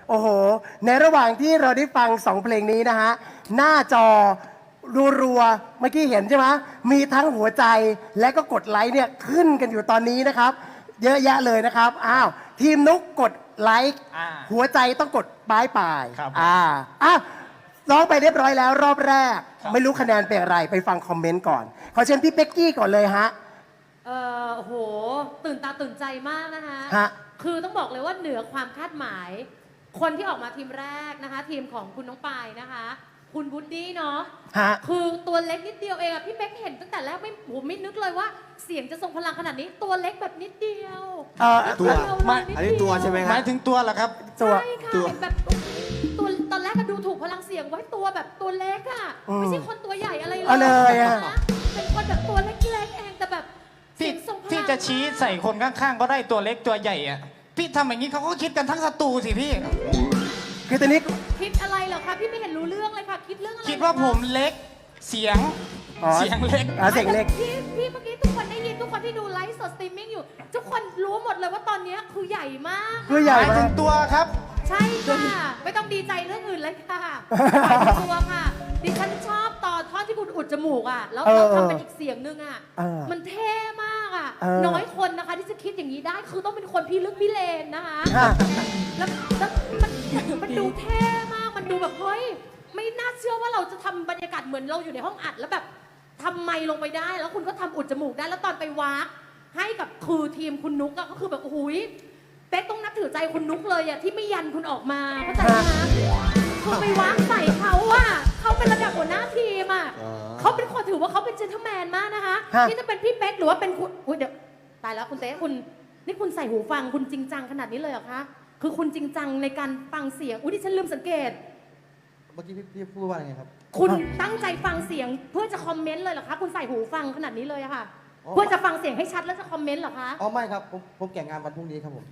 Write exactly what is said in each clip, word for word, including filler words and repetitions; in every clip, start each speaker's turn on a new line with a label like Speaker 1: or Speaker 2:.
Speaker 1: โอ้โหในระหว่างที่เราได้ฟังสองเพลงนี้นะฮะหน้าจอรัวๆเมื่อกี้เห็นใช่ไหมมีทั้งหัวใจและก็กดไลค์เนี่ยขึ้นกันอยู่ตอนนี้นะครับเยอะแยะเลยนะครับอ้าวทีมนุกกดไลค์หัวใจต้องกดปลายปลายอ่าอ่ะร้องไปเรียบร้อยแล้วรอบแรกไม่รู้คะแนนเป็นอะไรไปฟังคอมเมนต์ก่อนขอเชิญพี่เป็กกี้ก่อนเลยฮะ
Speaker 2: เออโอ้โหตื่นตาตื่นใจมากนะคะ
Speaker 1: ฮะ
Speaker 2: คือต้องบอกเลยว่าเหนือความคาดหมายคนที่ออกมาทีมแรกนะคะทีมของคุณน้องปายนะคะคุณบูดดี้เนาะคือตัวเล็กนิดเดียวเองอะพี่เป๊กเห็นตั้งแต่แรกไม่ผมไม่นึกเลยว่าเสียงจะทรงพลังขนาดนี้ตัวเล็กแบบนิดเดียว
Speaker 1: เออ
Speaker 3: ตัวอันนี้ตัวใช่ไหมครับหมายถึงตัวเหรอครับ
Speaker 2: ใช่ค่ะแบบตัวตอนแรกก็ดูถูกพลังเสียงไว้ตัวแบบตัวเล็กอะไม่ใช่คนตัวใหญ่อะไรเลยนะเป็นคนแบบตัวเล็กๆเองแต่แบบ
Speaker 3: พี่พี่จะชี้ใส่คนข้างๆก็ได้ตัวเล็กตัวใหญ่อะพี่ทำอย่างนี้เขาก็คิดกันทั้งศัตรูสิพี่
Speaker 1: คือตอนนี้
Speaker 2: คิดอะไรเหรอคะพี่ไม่เห็นรู้เรื่องเลยค่ะคิดเรื่องอะไร
Speaker 3: คิดว่าผมเล็กเสียงเสียงเล็ก
Speaker 1: เสียงเล็ก
Speaker 2: พี่พี่เมื่อกี้ทุกคนได้ยินทุกคนที่ดูไลฟ์สดสตรีมมิ่งอยู่ทุกคนรู้หมดเลยว่าตอนนี้คือใหญ่มาก
Speaker 1: คือใหญ่
Speaker 3: ถึงตัวครับ
Speaker 2: ใช่ค่ะไม่ต้องดีใจเรื่องอื่นเลยค่ะตัวค่ะดิฉันชอบตอนท่อนที่คุณอุดจมูกอ่ะแล้วเราทำเป็นอีกเสียงนึงอ่ะมันเท่มากอ่ะน้อยคนนะคะที่จะคิดอย่างนี้ได้คือต้องเป็นคนพี่ลึกพี่เลนนะคะแล้วแล้วมันมันดูเท่มากมันดูแบบเฮ้ยไม่น่าเชื่อว่าเราจะทำบรรยากาศเหมือนเราอยู่ในห้องอัดแล้วแบบทำไมลงไปได้แล้วคุณก็ทำอุดจมูกได้แล้วตอนไปวากให้กับคือทีมคุณนุ๊กก็คือแบบโอ้โหเป๊กต้องนับถือใจคุณนุ๊กเลยอะที่ไม่ยันคุณออกมาเข้าใจไหมคะคือไปวางใส่เขาอะเขาเป็นระดับหัวหน้าทีมอะเขาเป็นคนถือว่าเขาเป็นเจนเทลแมนมากนะคะที่จะเป็นพี่เป๊กหรือว่าเป็นคุณอุ้ยเดี๋ยวตายแล้วคุณเต้คุณนี่คุณใส่หูฟังคุณจริงจังขนาดนี้เลยเหรอคะคือคุณจริงจังในการฟังเสียงอุ้ยดิฉันลืมสังเกต
Speaker 4: เมื่อกี้พี่พูดว่าไงครับ
Speaker 2: คุณตั้งใจฟังเสียงเพื่อจะคอมเมนต์เลยเหรอคะคุณใส่หูฟังขนาดนี้เลยอะค่ะเพื่อจะฟังเสียงให้ชัดแล้วจะคอมเมนต์เหรอคะ
Speaker 4: อ๋อไม่ครับผมผมแก่งงานวันพรุ่งนี้ครับผม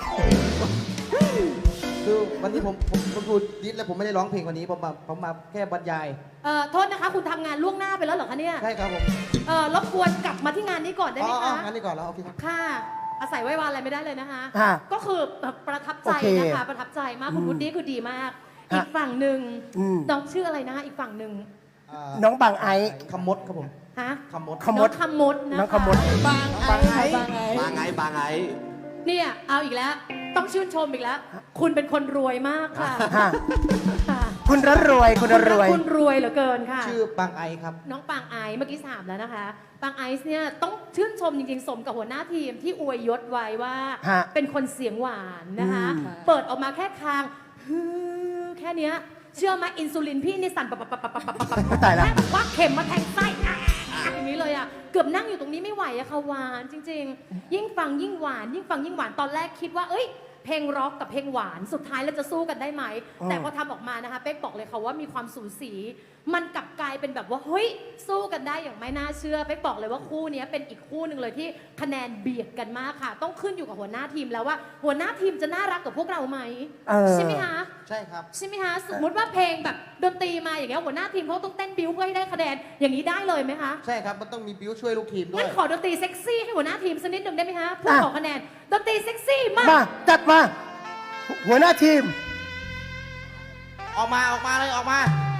Speaker 4: คือวันนี้ผมผมผมพูดดิสแล้วผมไม่ได้ร้องเพลงวันนี้ผมมาผมมาแค่บรรยาย
Speaker 2: เอ่อโทษนะคะคุณทำงานล่วงหน้าไปแล้วเหรอคะเนี่ย
Speaker 4: ใช่ครับผม
Speaker 2: เอ่อรบกวนกลับมาที่งานนี้ก่อนได้ไหมคะ
Speaker 4: งานนี้ก่อนแล้วโอเคครับ
Speaker 2: ค่ะอาศัยไว้วานอะไรไม่ได้เลยนะคะก็คือประทับใจนะคะประทับใจมากคุณวุฒิคือดีมากอีกฝั่งหนึ่งน้องชื่ออะไรนะคะอีกฝั่งหนึ่ง
Speaker 1: น้องบางไอ
Speaker 4: คำมดครับผม
Speaker 2: ฮะ
Speaker 4: คำมด
Speaker 2: คำมดคำมดนะ
Speaker 1: น้องคำมด
Speaker 2: บางไอบางไอบ
Speaker 4: างไอบางไอ
Speaker 2: เนี่ยเอาอีกแล้วต้องชื่นชมอีกแล้วคุณเป็นคนรวยมากค่ะ
Speaker 1: คุณรัรวยคุณรวย
Speaker 2: คุณรวยเหลือเกินค่ะ
Speaker 4: ชื่อบางไอครับ
Speaker 2: น้องปางไอเมื่อกี้ถามแล้วนะคะปางไอซ์เนี่ยต้องชื่นชมจริงๆสมกับหัวหน้าทีมที่อวยยศไว้ว่าเป็นคนเสียงหวานนะคะเปิดออกมาแค่คางแค่เนี้ยเชื่อไหมอินซูลินพี่นี่สั่นปับปับปับปับปับปับปับ
Speaker 1: ตายแล้ว
Speaker 2: ว่าเข็มมาแทงไส้อย่างนี้เลยอ่ะเกือบนั่งอยู่ตรงนี้ไม่ไหวอะค่ะหวานจริงๆยิ่งฟังยิ่งหวานยิ่งฟังยิ่งหวานตอนแรกคิดว่าเอ้ยเพลงร็อกกับเพลงหวานสุดท้ายแล้วจะสู้กันได้ไหมแต่พอทำออกมานะคะเป๊กบอกเลยค่ะว่ามีความสูสีมันกลับกลายเป็นแบบว่าเฮ้ยสู้กันได้อย่างไม่น่าเชื่อเป๊กบอกเลยว่าคู่นี้เป็นอีกคู่หนึ่งเลยที่คะแนนเบียดกันมากค่ะต้องขึ้นอยู่กับหัวหน้าทีมแล้วว่าหัวหน้าทีมจะน่ารักกับพวกเราไหมใช่ไหมคะ
Speaker 4: ใช่ครับ
Speaker 2: ใช่ไหมคะสมมติว่าเพลงแบบดนตรีมาอย่างเงี้ยหัวหน้าทีมเขาต้องเต้นบิ้วเพื่อให้ได้คะแนนอย่างนี้ได้เลยไหมคะ
Speaker 4: ใช่ครับมันต้องมีบิ้วช่วยลูกทีมด้วย
Speaker 2: งั้นขอดนตรีเซ็กซี่ให้หัวหน้าทีมสักนิดหนึ่งได้ไหมคะเพื่อขอคะแนนดนตรีเซ็กซี่มาก
Speaker 1: มาจัดมาหัวหน้าทีม
Speaker 4: ออกมาออกมาเลยออกมา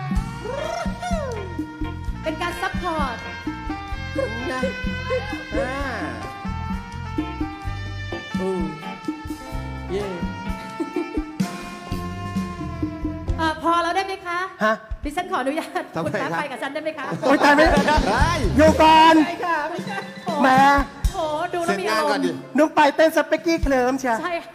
Speaker 2: เป็นการซัพพอร์ตนะ
Speaker 4: อ่าอือเย่
Speaker 2: พอแล้วได้ไหมคะ
Speaker 1: ฮะ
Speaker 2: ดิฉันขออนุญาตคุณแป๊บไปกับฉันได้ไหมคะ
Speaker 1: โอ้ยตายไม่ได้อยู่ก่อนแหม
Speaker 2: โอ้ดูแล้วมีอารมณ์
Speaker 1: นุ๊กไปเต้นสเปกกี้เคลิ้มเชียว
Speaker 2: ใช่